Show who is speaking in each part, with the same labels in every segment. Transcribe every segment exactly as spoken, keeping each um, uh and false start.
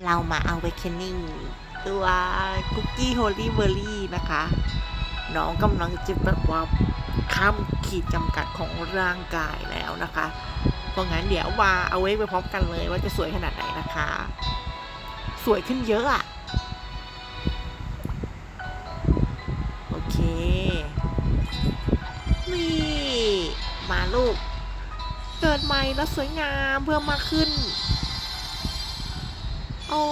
Speaker 1: เรามาเอาเวคเคนนิ่งตัวคุกกี้โฮลี่เบอร์รี่นะคะ น้องกำลังจะแบบว่าข้ามขีดจำกัดของร่างกายแล้วนะคะ เพราะงั้นเดี๋ยวมาเอาเวกไปพร้อมกันเลยว่าจะสวยขนาดไหนนะคะ สวยขึ้นเยอะอะโอเค นี่ มาลูก เกิดใหม่แล้วสวยงามเพิ่มมากขึ้น โอ้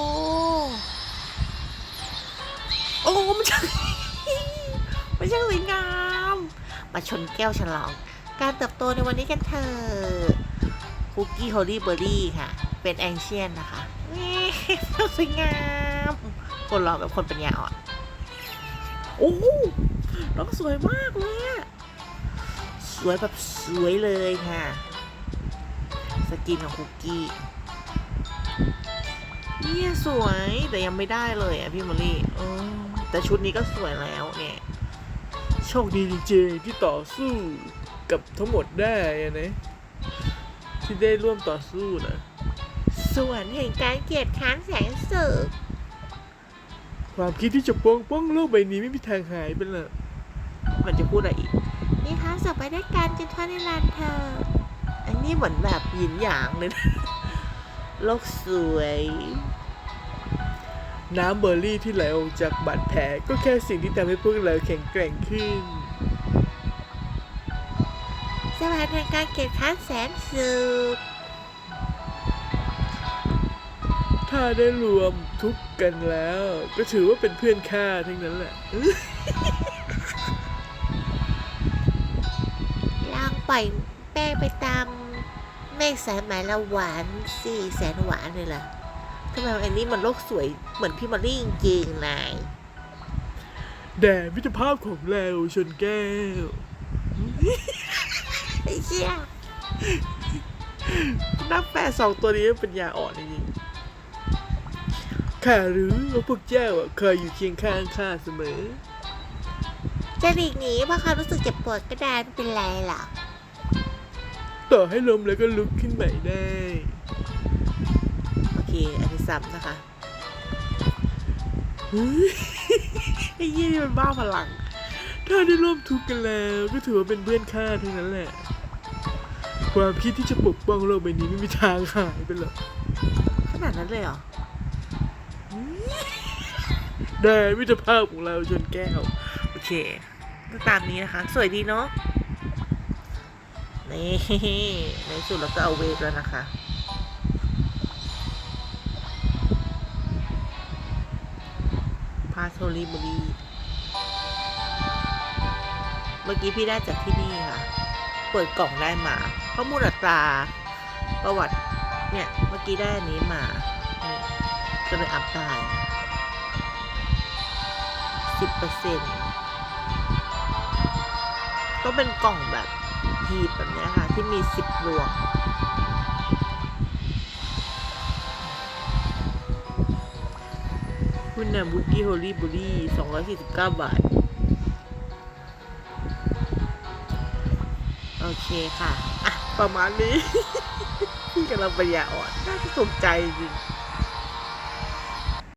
Speaker 1: โอ้มันช่างมันช่างสวยงาม มาชนแก้วฉลอง การเติบโตในวันนี้กันเถอะคุกกี้โฮลี่เบอร์รี่ค่ะ เป็นแองเชียนนะคะนี่สวยงาม คนรอแบบคนปัญญาอ่อน โอ้น้องสวยมากเลยอะสวยแบบสวยเลยค่ะ สกินของคุกกี้เนี่ยสวยแต่ยังไม่ได้เลยอ่ะพี่มอลลี่เออแต่ชุดนี้ก็สวยแล้วเนี่ยโชคดีจริงๆที่ต่อสู้กับทั้งหมดได้นะที่ได้ร่วมต่อสู้นะส่วนแห่งการเกลียดค้านแสงสึกความคิดที่จะปกป้องโลกใบนี้ไม่มีทางหายไปเลยมันจะพูดอะไรอีกนี่ท้าสอบไปได้การจนทอดในลานเธออันนี้เหมือนแบบหยินหยางเลยนะโลกสวยน้ำเบอร์รี่ที่ไหลออกจากบาดแผลก็แค่สิ่งที่ทำให้พวกเราแข็งแกร่งขึ้นสวัสดีการเก็บค้านแสนสุขถ้าได้รวมทุกกันแล้วก็ถือว่าเป็นเพื่อนข้าทั้งนั้นแหละลองปล่อยแป้งไปตามเมฆสายไหมละหวานสี่แสนหวานเลยล่ะทำไมอันนี้มันโลกสวยเหมือนพี่มอลลี่จริงๆนายแด่มิตรภาพของเราชนแก้วไอ้เชี่ยนักแปลสองตัวนี้เป็นยาอ่อนจริงๆข้ารู้ว่าพวกเจ้าเคยอยู่เคียงข้างข้าเสมอจะหลีกหนีเพราะเขารู้สึกเจ็บปวดก็ได้ไม่เป็นไรหรอกต่อให้ล้มแล้วก็ลุกขึ้นใหม่ได้โอเคอันนี้ซ้ำนะคะไอ้ยี่นี่มันบ้าพลังถ้าได้ร่วมทุกข์กันแล้วก็ถือว่าเป็นเพื่อนข้าทั้งนั้นแหละความคิดที่จะปกป้องโลกใบนี้ไม่มีทางหายไปหรอกขนาดนั้นเลยเหรอได้มิตรภาพของเราชนแก้วโอเคตามนี้นะคะสวยดีเนาะนี่ในสุดเราก็เอาเวฟแล้วนะคะพาโทริบุรีเมื่อกี้พี่ได้จากที่นี่ค่ะเปิดกล่องได้มาข้อมูลอัตราประวัติเนี่ยเมื่อกี้ได้อันนี้มานี่ก็เลยอัพได้สิบเปอร์เซ็นต์ก็เป็นกล่องแบบหีบแบบนี้ค่ะที่มีสิบดวงคุณนำบุกี้โฮลี่บุรี่สองร้อยสี่สิบเก้าบาทโอเคค่ะอ่ะประมาณนี้ พี่กำลังปัญญาอ่อนน่าจะสนใจจริง